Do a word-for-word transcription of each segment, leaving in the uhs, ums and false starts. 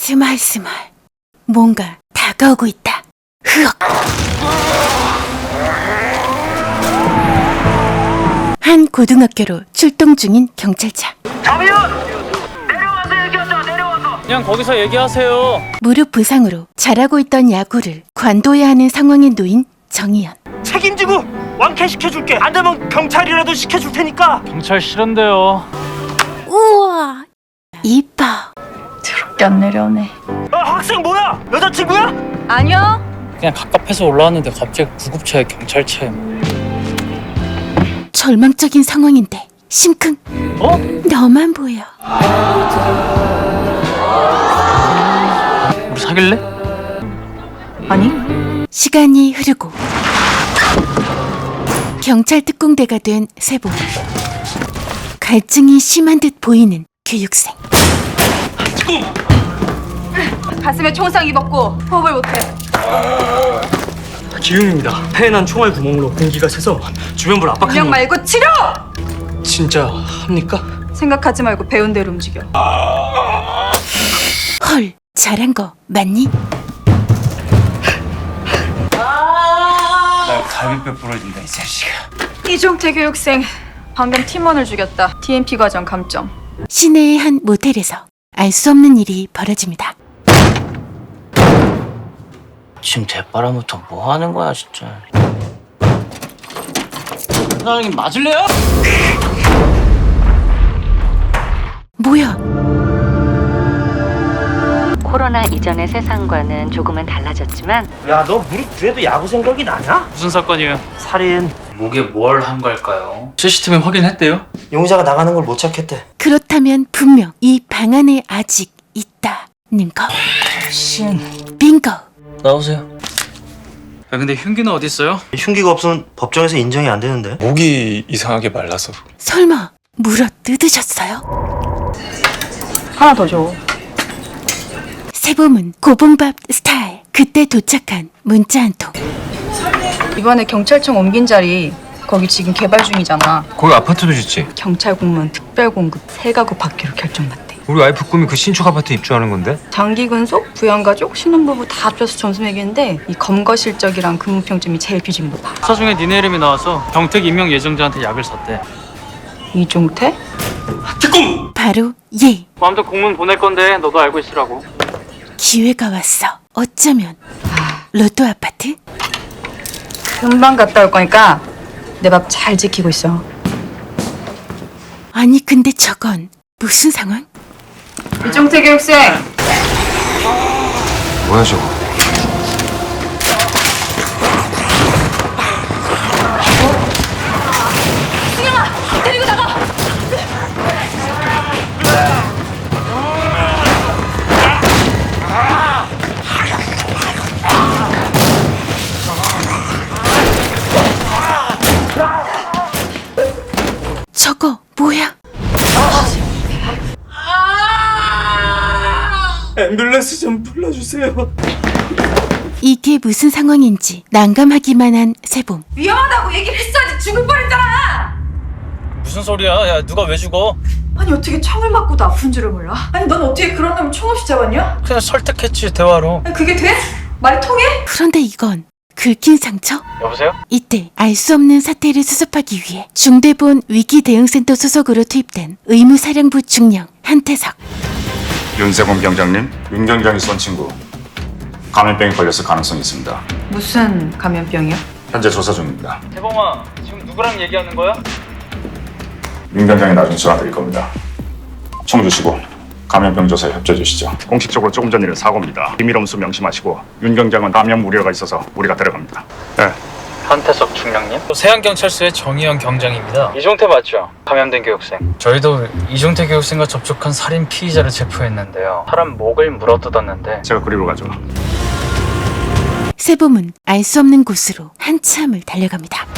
스멀스멀 뭔가 다가오고 있다. 흐억. 한 고등학교로 출동 중인 경찰차. 정의원! 내려와서 얘기하자. 내려와서. 그냥 거기서 얘기하세요. 무릎 부상으로 잘하고 있던 야구를 관둬야 하는 상황에 놓인 정의연. 책임지고 왕쾌 시켜줄게. 안 되면 경찰이라도 시켜줄 테니까. 경찰 싫은데요. 우와 이뻐. 더럽게 안 내려오네. 아, 학생 뭐야? 여자친구야? 아니요. 그냥 갑갑해서 올라왔는데 갑자기 구급차에 경찰차에. 절망적인 상황인데 심쿵. 어? 너만 보여. 우리 사귈래? 아니? 시간이 흐르고 경찰 특공대가 된 세보. 갈증이 심한 듯 보이는 교육생. 가슴에 총상 입었고 호흡을 못해. 기흉입니다. 폐에 난 총알 구멍으로 공기가 새서 주변부를 운영 압박하는. 말고 치료! 진짜 합니까? 생각하지 말고 배운 대로 움직여. 헐, 잘한 거 맞니? 나 갈비뼈 부러진다 이 자식아. 이종태 교육생 방금 팀원을 죽였다. 디엠피 과정 감점. 시내의 한 모텔에서 알 수 없는 일이 벌어집니다. 지금 대바람부터 뭐 하는 거야 진짜. 사장님 맞을래요? 뭐야? 코로나 이전의 세상과는 조금은 달라졌지만 야, 너 무릎 뒤에도 야구 생각이 나냐? 무슨 사건이에요? 살인. 목에 뭘 한 걸까요? 씨씨티비 확인했대요? 용의자가 나가는 걸 못 찾겠대. 그렇다면 분명 이 방 안에 아직 있다는 거. 신. 빙고. 나오세요. 야 근데 흉기는 어디 있어요? 흉기가 없으면 법정에서 인정이 안 되는데. 목이 이상하게 말라서. 설마 물어 뜯으셨어요? 하나 더 줘. 세봄은 고봉밥 스타일. 그때 도착한 문자 한 통. 이번에 경찰청 옮긴 자리 거기 지금 개발 중이잖아. 거기 아파트도 짓지. 경찰 공무원 특별 공급 세 가구 받기로 결정났대. 우리 와이프 꿈이 그 신축 아파트 입주하는 건데. 장기 근속, 부양가족, 신혼부부 다 합쳐서 점수 매기는데 이 검거 실적이랑 근무 평점이 제일 비중 높아. 수사 중에 니네 이름이 나와서 경택 임명 예정자한테 약을 샀대. 이종태? 특공. 바로 얘. 아무튼 공문 보낼 건데 너도 알고 있으라고. 기회가 왔어. 어쩌면 로또 아파트? 금방 갔다 올 거니까 내 밥 잘 지키고 있어. 아니 근데 저건 무슨 상황? 이종태 교육생! 뭐야 저거. 저거 뭐야? 앰뷸런스 좀 불러주세요. 이게 무슨 상황인지 난감하기만 한 세봄. 위험하다고 얘기를 했어야지. 죽을 뻔했잖아. 무슨 소리야? 야 누가 왜 죽어? 아니 어떻게 총을 맞고도 아픈 줄을 몰라? 아니 넌 어떻게 그런 놈을 총 없이 잡았냐? 그냥 설득했지 대화로. 아니 그게 돼? 말이 통해? 그런데 이건 긁힌 상처? 여보세요? 이때 알 수 없는 사태를 수습하기 위해 중대본 위기대응센터 소속으로 투입된 의무사령부 중령 한태석. 윤세범 경장님, 윤 경장이 쏜 친구 감염병에 걸렸을 가능성이 있습니다. 무슨 감염병이야? 현재 조사 중입니다. 대범아 지금 누구랑 얘기하는 거야? 윤 경장이 나중에 전화 드릴 겁니다. 총 주시고 감염병 조사에 협조해 주시죠. 공식적으로 조금 전 일은 사고입니다. 비밀 엄수 명심하시고 윤 경장은 감염 우려가 있어서 우리가 데려갑니다. 네. 한태석 중령님? 세안경찰서의 정의연 경장입니다. 이종태 맞죠? 감염된 교육생. 저희도 이종태 교육생과 접촉한 살인 피의자를 체포했는데요. 사람 목을 물어뜯었는데 제가 그리로 가죠. 세봄은 알 수 없는 곳으로 한참을 달려갑니다.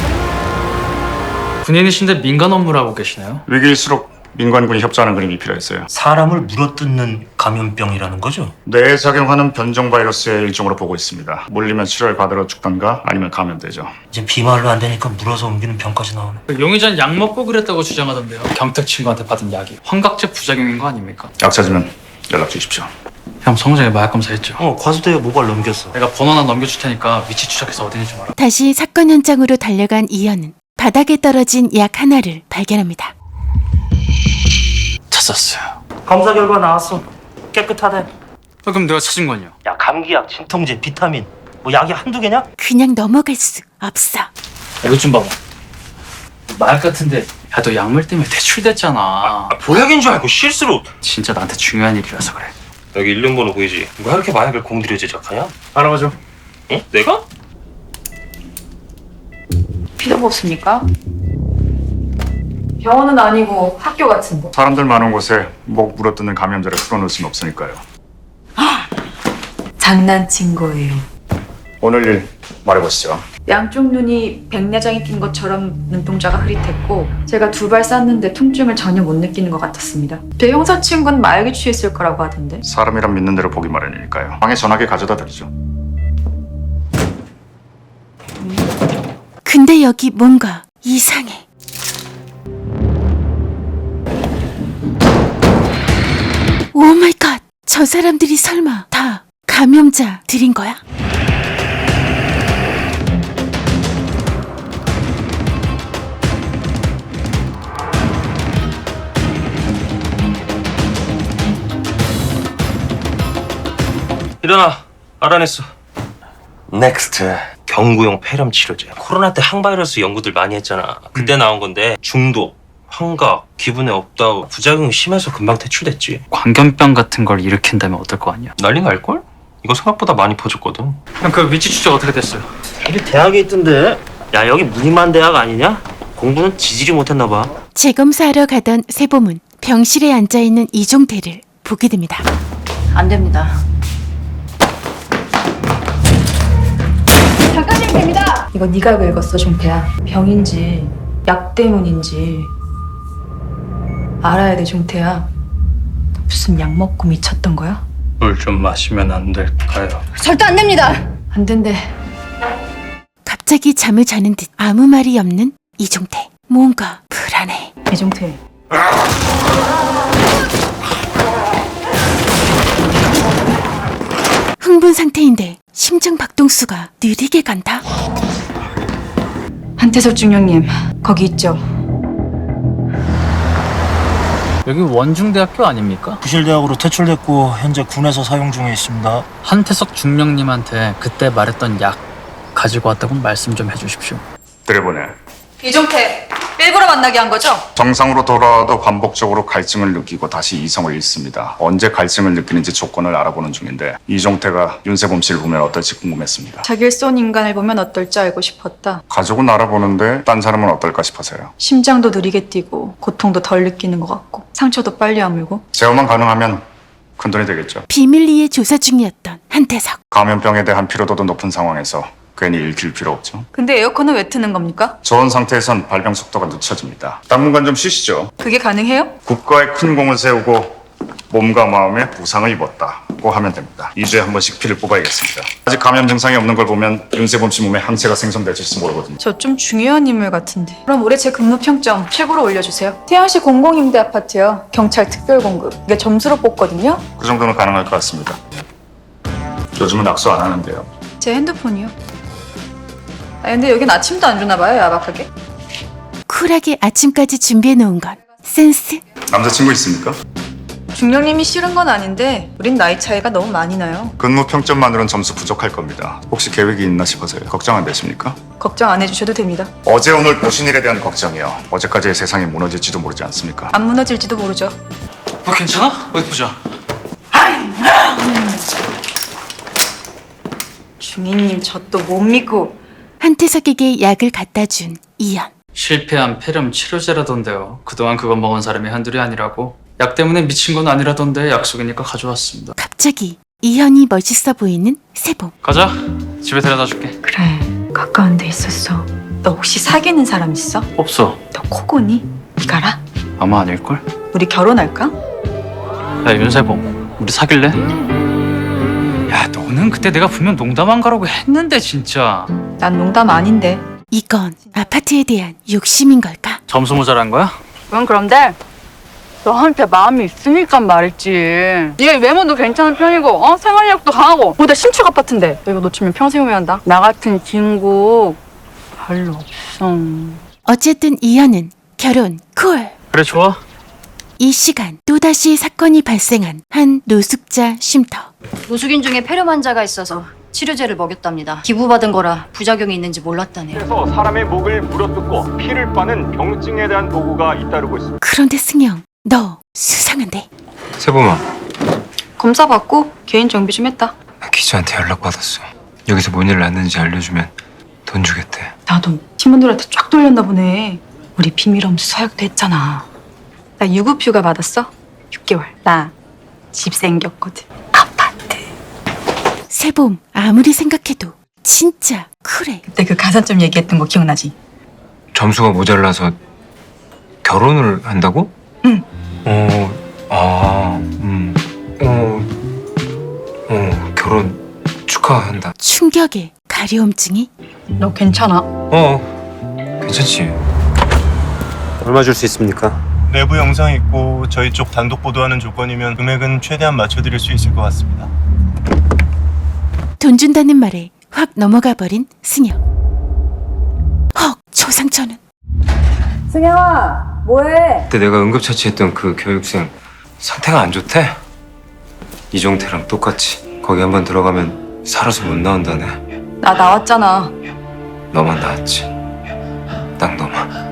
군인이신데 민간 업무를 하고 계시나요? 위기일수록 민관군이 협조하는 그림이 필요했어요. 사람을 물어뜯는 감염병이라는 거죠? 뇌에 작용하는 변종 바이러스의 일종으로 보고 있습니다. 물리면 치료를 받으러 죽던가 아니면 감염되죠. 이제 비말로 안 되니까 물어서 옮기는 병까지 나오네. 그 용의자는 약 먹고 그랬다고 주장하던데요. 경택 친구한테 받은 약이 환각제 부작용인 거 아닙니까? 약 찾으면 연락 주십시오. 형 성장에 마약 검사했죠? 어, 과수대에 모발 넘겼어. 내가 번호 하나 넘겨줄 테니까 위치 추적해서 어딘지 좀 알아. 다시 사건 현장으로 달려간 이현은 바닥에 떨어진 약 하나를 발견합니다. 찾았어요. 검사 결과 나왔어. 깨끗하대. 아, 그럼 내가 찾은 건요? 야, 감기약, 진통제, 비타민. 뭐 약이 한두 개냐? 그냥 넘어갈 수 없어. 이거 좀 봐봐. 마약 같은데 야 너 약물 때문에 대출됐잖아. 아, 보약인 줄 알고 실수로. 진짜 나한테 중요한 일이라서 그래. 여기 일련 번호 보이지? 누가 이렇게 마약을 공들여 제작하냐? 알아봐줘. 응? 내가? 필요가 없습니까? 병원은 아니고 학교 같은데. 사람들 많은 곳에 목 물어뜯는 감염자를 풀어놓을 수는 없으니까요. 장난친 거예요. 오늘 일 말해보시죠. 양쪽 눈이 백내장이 낀 것처럼 눈동자가 흐릿했고 제가 두 발 쐈는데 통증을 전혀 못 느끼는 것 같았습니다. 제 형사 친구는 마약에 취했을 거라고 하던데. 사람이란 믿는 대로 보기 마련이니까요. 방에 전화기 가져다 드리죠. 근데 여기 뭔가 이상해. 오 마이 갓! 저 사람들이 설마 다 감염자들인 거야? 일어나. 알아냈어. 넥스트. 경구용 폐렴 치료제. 코로나 때 항바이러스 연구들 많이 했잖아. 그때 나온 건데 중독, 환각, 기분에 업다운, 부작용이 심해서 금방 퇴출됐지. 광견병 같은 걸 일으킨다면 어떨 거 아니야? 난리 날걸? 이거 생각보다 많이 퍼졌거든. 형 그 위치 추적 어떻게 됐어요? 여기 대학에 있던데. 야, 여기 무늬만 대학 아니냐? 공부는 지지리 못했나 봐. 재검사하러 가던 세봄은 병실에 앉아있는 이종태를 보게 됩니다. 안 됩니다. 작가님 됩니다. 이거 네가 읽었어, 종태야. 병인지 약 때문인지 알아야 돼, 종태야. 너 무슨 약 먹고 미쳤던 거야? 물 좀 마시면 안 될까요? 절대 안 됩니다. 안 된대. 갑자기 잠을 자는 듯 아무 말이 없는 이종태. 뭔가 불안해. 이종태. 흥분 상태인데 심장 박동수가 느리게 간다. 한태석 중령님, 거기 있죠? 여기 원중대학교 아닙니까? 부실대학으로 퇴출됐고 현재 군에서 사용 중에 있습니다. 한태석 중령님한테 그때 말했던 약 가지고 왔다고 말씀 좀 해주십시오. 들여보내. 이종태, 일부러 만나게 한 거죠? 정상으로 돌아와도 반복적으로 갈증을 느끼고 다시 이성을 잃습니다. 언제 갈증을 느끼는지 조건을 알아보는 중인데 이종태가 윤세범 씨를 보면 어떨지 궁금했습니다. 자기를 쏜 인간을 보면 어떨지 알고 싶었다. 가족은 알아보는데 딴 사람은 어떨까 싶어서요. 심장도 느리게 뛰고 고통도 덜 느끼는 것 같고 상처도 빨리 아물고. 제어만 가능하면 큰돈이 되겠죠. 비밀리에 조사 중이었던 한태석. 감염병에 대한 피로도도 높은 상황에서 괜히 읽힐 필요 없죠. 근데 에어컨은 왜 트는 겁니까? 저온 상태에선 발병 속도가 늦춰집니다. 당분간 좀 쉬시죠. 그게 가능해요? 국가에 큰 공을 세우고 몸과 마음에 부상을 입었다고 하면 됩니다. 이 주에 한 번씩 피를 뽑아야겠습니다. 아직 감염 증상이 없는 걸 보면 윤세범 씨 몸에 항체가 생성될지 모르거든요. 저 좀 중요한 인물 같은데. 그럼 올해 제 근무 평점 최고로 올려주세요. 태양시 공공임대 아파트요. 경찰 특별공급. 이게 점수로 뽑거든요. 그 정도는 가능할 것 같습니다. 요즘은 악수 안 하는데요. 제 핸드폰이요. 아 근데 여긴 아침도 안 주나 봐요, 야박하게. 쿨하게 아침까지 준비해 놓은 건 센스? 남자친구 있습니까? 중령님이 싫은 건 아닌데 우린 나이 차이가 너무 많이 나요. 근무 평점만으로는 점수 부족할 겁니다. 혹시 계획이 있나 싶어서요. 걱정 안 되십니까? 걱정 안 해주셔도 됩니다. 어제 오늘 보신 일에 대한 걱정이요. 어제까지의 세상이 무너질지도 모르지 않습니까? 안 무너질지도 모르죠. 뭐 괜찮아? 어디 보자. 중위님 저 또 못 믿고. 한태석에게 약을 갖다 준 이현. 실패한 폐렴 치료제라던데요. 그동안 그거 먹은 사람이 한둘이 아니라고. 약 때문에 미친 건 아니라던데 약속이니까 가져왔습니다. 갑자기 이현이 멋있어 보이는 세봄. 가자. 집에 데려다 줄게. 그래, 가까운 데 있었어. 너 혹시 사귀는 사람 있어? 없어. 너 코고니? 이가라? 아마 아닐걸? 우리 결혼할까? 야 윤세범, 우리 사귈래? 야 너는 그때 내가 분명 농담한 거라고 했는데 진짜. 난 농담 아닌데. 이건 아파트에 대한 욕심인 걸까? 점수 모자란 거야? 그건 그런데 너한테 마음이 있으니까 말했지. 얘 외모도 괜찮은 편이고 어? 생활력도 강하고 보다 신축 아파트인데 너 이거 놓치면 평생 후회한다. 나 같은 친구 별로 없어. 어쨌든 이현은 결혼 콜. 그래 좋아. 이 시간 또다시 사건이 발생한 한 노숙자 쉼터. 노숙인 중에 폐렴 환자가 있어서 치료제를 먹였답니다. 기부받은 거라 부작용이 있는지 몰랐다네요. 그래서 사람의 목을 물어뜯고 피를 빠는 병증에 대한 도구가 잇따르고 있습니다. 그런데 승영, 너 수상한데? 세범아, 검사 받고 개인 정비 좀 했다. 나 기자한테 연락 받았어. 여기서 뭔 일 났는지 알려주면 돈 주겠대. 나도 팀원들한테 쫙 돌렸나 보네. 우리 비밀엄수 서약도 했잖아. 나 유급휴가 받았어. 육 개월. 나 집 생겼거든. 아파트. 세봄, 아무리 생각해도 진짜 쿨해. 그때 그 가산점 얘기했던 거 기억나지? 점수가 모자라서 결혼을 한다고? 응. 어, 아, 음, 어, 어, 결혼 축하한다. 충격에 가려움증이? 너 괜찮아? 어, 괜찮지. 얼마 줄 수 있습니까? 내부 영상 있고 저희 쪽 단독 보도하는 조건이면 금액은 최대한 맞춰드릴 수 있을 것 같습니다. 돈 준다는 말에 확 넘어가 버린 승영. 헉, 조상천은. 승영아 뭐해? 그때 내가 응급처치했던 그 교육생 상태가 안 좋대. 이종태랑 똑같이 거기 한번 들어가면 살아서 못 나온다네. 나 나왔잖아. 너만 나왔지. 딱 너만.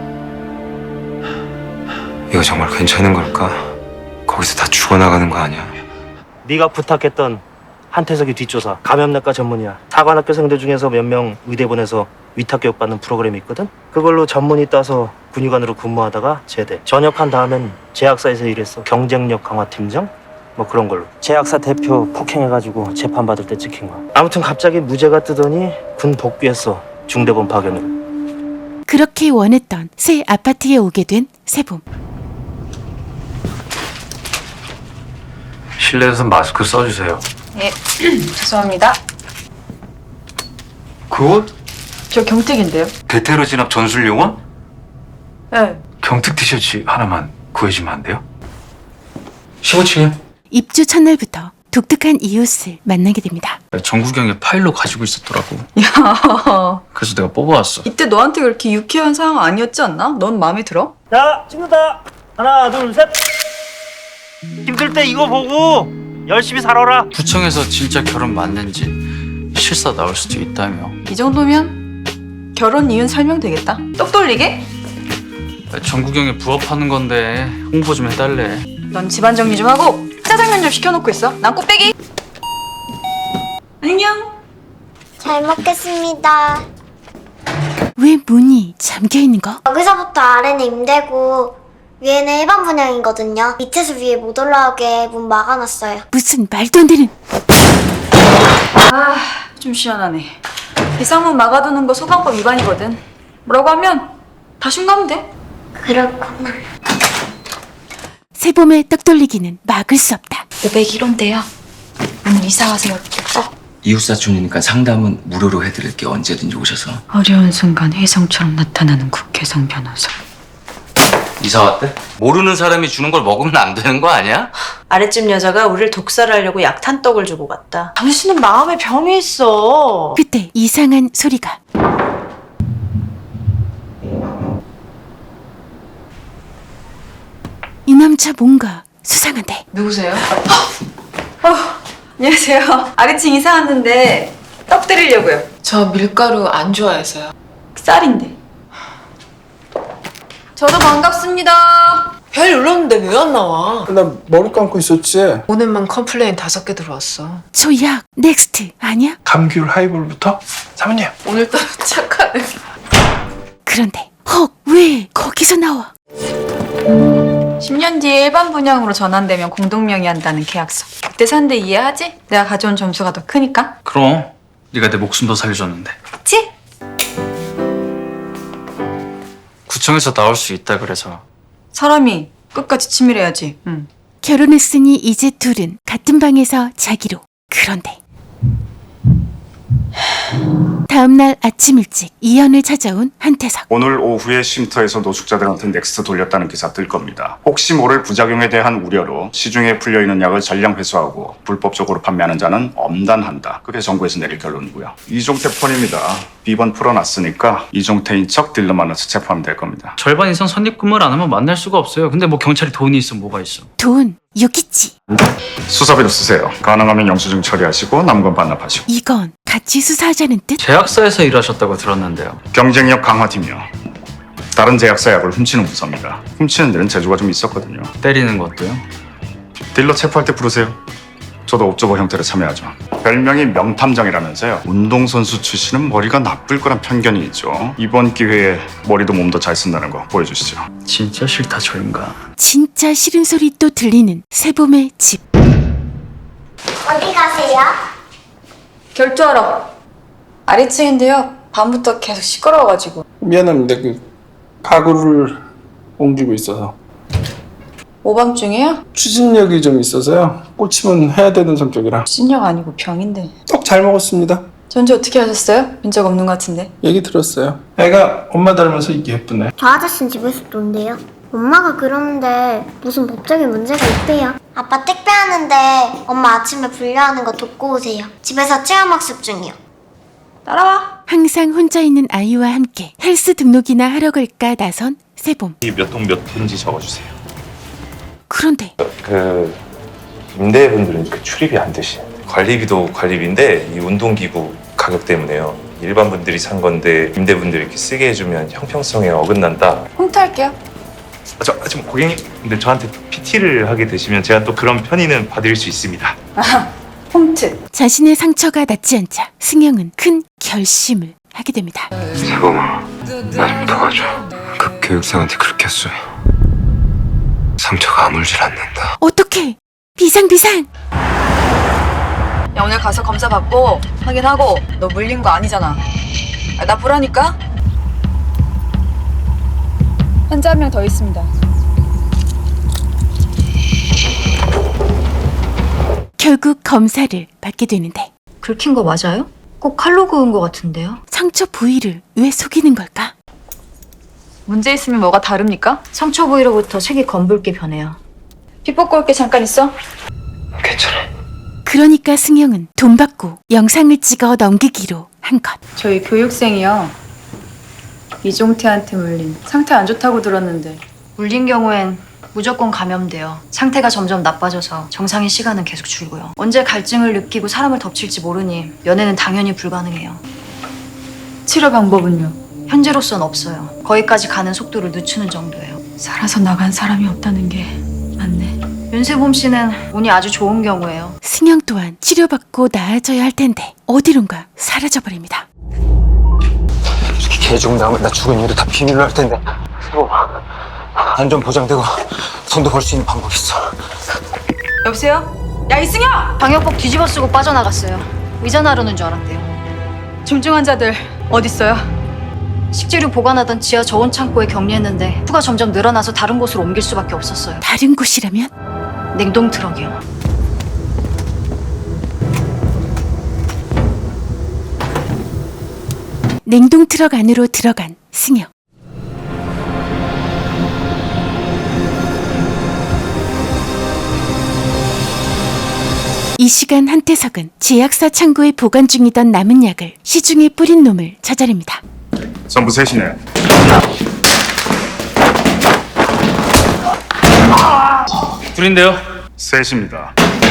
이거 정말 괜찮은 걸까? 거기서 다 죽어나가는 거 아니야? 네가 부탁했던 한태석이 뒷조사 감염내과 전문의야. 사관학교생들 중에서 몇 명 의대 보내서 위탁교육 받는 프로그램이 있거든. 그걸로 전문의 따서 군의관으로 근무하다가 제대. 전역한 다음엔 제약사에서 일했어. 경쟁력 강화 팀장? 뭐 그런 걸로. 제약사 대표 폭행해가지고 재판받을 때 찍힌 거야. 아무튼 갑자기 무죄가 뜨더니 군 복귀했어. 중대본 파견으로. 그렇게 원했던 새 아파트에 오게 된 세봄. 실내에서 마스크 써주세요. 예. 죄송합니다. 그 옷? 저 경택인데요. 대테러 진압 전술 용원? 네. 경특 티셔츠 하나만 구해주면 안 돼요? 십오 층이요? 입주 첫날부터 독특한 이웃을 만나게 됩니다. 정국영이 파일로 가지고 있었더라고. 야, 그래서 내가 뽑아왔어. 이때 너한테 그렇게 유쾌한 상황 아니었지 않나? 넌 마음에 들어? 자, 찍는다. 하나, 둘, 셋. 힘들 때 이거 보고 열심히 살아라. 구청에서 진짜 결혼 맞는지 실사 나올 수도 있다며. 이 정도면 결혼 이유는 설명되겠다. 똑 돌리게? 정국영이 부업하는 건데 홍보 좀 해달래. 넌 집안 정리 좀 하고 짜장면 좀 시켜놓고 있어. 난 꽃배기. 안녕. 잘 먹겠습니다. 왜 문이 잠겨 있는 거? 여기서부터 아래는 임대고 위에는 일반 분양이거든요. 밑에서 위에 못 올라오게 문 막아놨어요. 무슨 말도 안 되는. 아, 좀 시원하네. 이 쌍문 막아두는 거 소방법 위반이거든. 뭐라고 하면 다 신고하면 돼. 그렇구나. 세봄의 떡 돌리기는 막을 수 없다. 오백일 호인데요. 오늘 이사 와세요. 어. 이웃사촌이니까 상담은 무료로 해드릴게. 언제든지 오셔서. 어려운 순간 혜성처럼 나타나는 국회성 변호사. 이사 왔대? 모르는 사람이 주는 걸 먹으면 안 되는 거 아니야? 아랫집 여자가 우리를 독살하려고 약탄떡을 주고 갔다. 당신은 마음에 병이 있어. 그때 이상한 소리가. 이 남자 뭔가 수상한데. 누구세요? 어, 안녕하세요. 아래층 이사 왔는데 떡 드리려고요. 저 밀가루 안 좋아해서요. 쌀인데. 저도 반갑습니다. 별 눌렀는데 왜 안 나와? 나 머리 감고 있었지. 오늘만 컴플레인 다섯 개 들어왔어. 저 약 넥스트 아니야? 감귤 하이볼부터? 사모님. 오늘따라 착하네. 그런데 헉, 왜 거기서 나와? 십 년 뒤에 일반 분양으로 전환되면 공동명의한다는 계약서. 그때 산대 이해하지? 내가 가져온 점수가 더 크니까. 그럼 네가 내 목숨도 살려줬는데. 그치? 구청에서 나올 수 있다 그래서. 사람이 끝까지 치밀해야지. 응. 결혼했으니 이제 둘은 같은 방에서 자기로. 그런데 다음날 아침 일찍 이현을 찾아온 한태석. 오늘 오후에 쉼터에서 노숙자들한테 넥스트 돌렸다는 기사 뜰 겁니다. 혹시 모를 부작용에 대한 우려로 시중에 풀려있는 약을 전량 회수하고 불법적으로 판매하는 자는 엄단한다. 그게 정부에서 내릴 결론이고요. 이종태 폰입니다. 비번 풀어놨으니까 이종태인 척 딜러 만나서 체포하면 될 겁니다. 절반 이상 선입근무를 안 하면 만날 수가 없어요. 근데 뭐 경찰이 돈이 있으면 뭐가 있어. 돈 여기 있지. 수사비로 쓰세요. 가능하면 영수증 처리하시고 남은 건 반납하시고. 이건 같이 수사하자는 뜻? 제약사에서 일하셨다고 들었는데요. 경쟁력 강화팀이요. 다른 제약사 약을 훔치는 부서입니다. 훔치는 데는 재주가 좀 있었거든요. 때리는 것도요? 딜러 체포할 때 부르세요. 저도 옵저버 형태로 참여하죠. 별명이 명탐정이라면서요. 운동선수 출신은 머리가 나쁠 거란 편견이 있죠. 이번 기회에 머리도 몸도 잘 쓴다는 거 보여주시죠. 진짜 싫다 저 인간. 진짜 싫은 소리 또 들리는 세봄의 집. 어디 가세요? 결투하러. 아래층인데요. 밤부터 계속 시끄러워가지고. 미안합니다. 그 가구를 옮기고 있어서 오밤중이에요? 추진력이 좀 있어서요. 꽂히면 해야 되는 성격이라. 신력 아니고 병인데. 떡 잘 먹었습니다. 전지 어떻게 하셨어요? 본 적 없는 것 같은데. 얘기 들었어요. 애가 엄마 닮아서 이게 예쁘네. 저 아저씨는 집에서 논대요. 엄마가 그러는데 무슨 법적인 문제가 있대요. 아빠 택배하는데 엄마 아침에 분류하는 거 돕고 오세요. 집에서 체험학습 중이요. 따라와. 항상 혼자 있는 아이와 함께 헬스 등록이나 하러 갈까 나선 세봄. 이 몇 동 몇 분지 적어주세요. 그런데 그 임대분들은 그 출입이 안 되시는데 관리비도 관리비인데 이 운동기구 가격 때문에요. 일반 분들이 산 건데 임대분들이 이렇게 쓰게 해주면 형평성에 어긋난다. 홍보할게요. 아, 저 지금 고객님 근데 저한테 피티를 하게 되시면 제가 또 그런 편의는 봐드릴 수 있습니다. 아, 홈트. 자신의 상처가 낫지 않자 승영은 큰 결심을 하게 됩니다. 세범아, 나 좀 도와줘. 그 교육생한테 그렇게 했어요. 상처가 아물질 않는다. 어떡해? 비상 비상! 야, 오늘 가서 검사 받고 확인하고 너 물린 거 아니잖아. 아, 나 보라니까. 환자 한 명 더 있습니다. 결국 검사를 받게 되는데 긁힌 거 맞아요? 꼭 칼로 그은 거 같은데요? 상처 부위를 왜 속이는 걸까? 문제 있으면 뭐가 다릅니까? 상처 부위로부터 색이 검붉게 변해요. 피 뽑고 올게. 잠깐 있어. 괜찮아. 그러니까 승영은 돈 받고 영상을 찍어 넘기기로 한 것. 저희 교육생이요. 이종태한테 물린 상태 안 좋다고 들었는데. 물린 경우엔 무조건 감염돼요. 상태가 점점 나빠져서 정상인 시간은 계속 줄고요. 언제 갈증을 느끼고 사람을 덮칠지 모르니 면회는 당연히 불가능해요. 치료 방법은요? 현재로선 없어요. 거기까지 가는 속도를 늦추는 정도예요. 살아서 나간 사람이 없다는 게 맞네. 윤세범 씨는 운이 아주 좋은 경우예요. 승영 또한 치료받고 나아져야 할 텐데 어디론가 사라져버립니다. 이렇게 개죽 나오면 나 죽은 이유도 다 비밀로 할 텐데. 세범아, 안전 보장되고 돈도 벌 수 있는 방법 있어. 여보세요? 야, 이승영! 방역복 뒤집어 쓰고 빠져나갔어요. 의자 나르는 줄 알았대요. 중증 환자들 어딨어요? 식재료 보관하던 지하 저온 창고에 격리했는데 수가 점점 늘어나서 다른 곳으로 옮길 수밖에 없었어요. 다른 곳이라면? 냉동 트럭이요. 냉동 트럭 안으로 들어간 승영. 이 시간 한태석은 제약사 창고에 보관 중이던 남은 약을 시중에 뿌린 놈을 찾아냅니다. 전부 셋이네. 둘인데요. 셋입니다.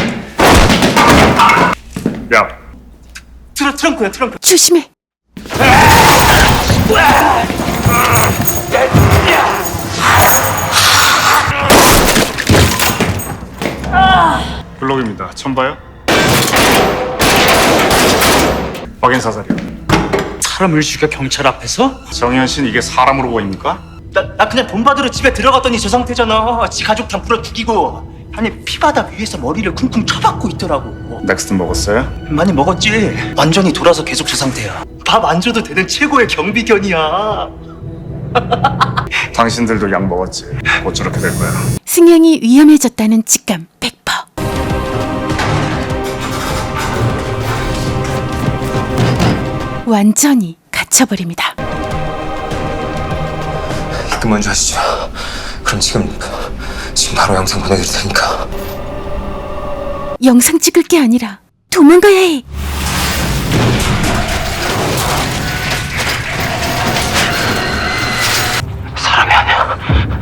야, 트렁, 트렁크야 트렁크. 조심해. 블록입니다. 처음 봐요? 확인 사살이요. 사람을 죽여 경찰 앞에서? 정현 씨는 이게 사람으로 보입니까? 나, 나 그냥 돈 받으러 집에 들어갔더니 저 상태잖아. 지 가족 다 불어 죽이고. 아니 피바닥 위에서 머리를 쿵쿵 쳐박고 있더라고. 넥스트 먹었어요? 많이 먹었지. 완전히 돌아서 계속 저 상태야. 밥 안 줘도 되는 최고의 경비견이야. 당신들도 약 먹었지. 곧 저렇게 될 거야. 승영이 위험해졌다는 직감 백 퍼센트. 완전히 갇혀버립니다. 그만 좀 하시죠. 그럼 지금 지금 바로 영상 보내드릴 테니까. 영상 찍을 게 아니라 도망가야 해. 사람이 아니야.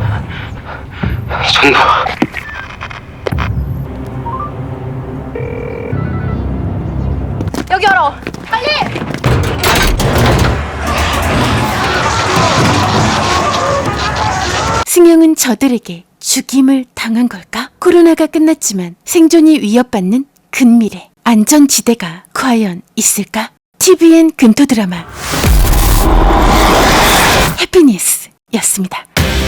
전부. 여기 열어. 빨리. 승영은 저들에게 죽임을 당한 걸까? 코로나가 끝났지만 생존이 위협받는 근미래. 안전지대가 과연 있을까? 티비엔 근토 드라마 해피니스였습니다.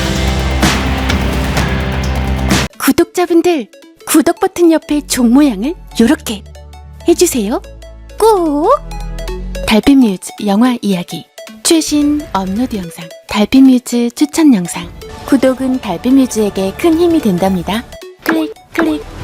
구독자분들 구독 버튼 옆에 종 모양을 요렇게 해주세요. 꼭! 달빛뮤즈 영화 이야기 최신 업로드 영상 달빛뮤즈 추천 영상 구독은 달빛뮤즈에게 큰 힘이 된답니다. 클릭 클릭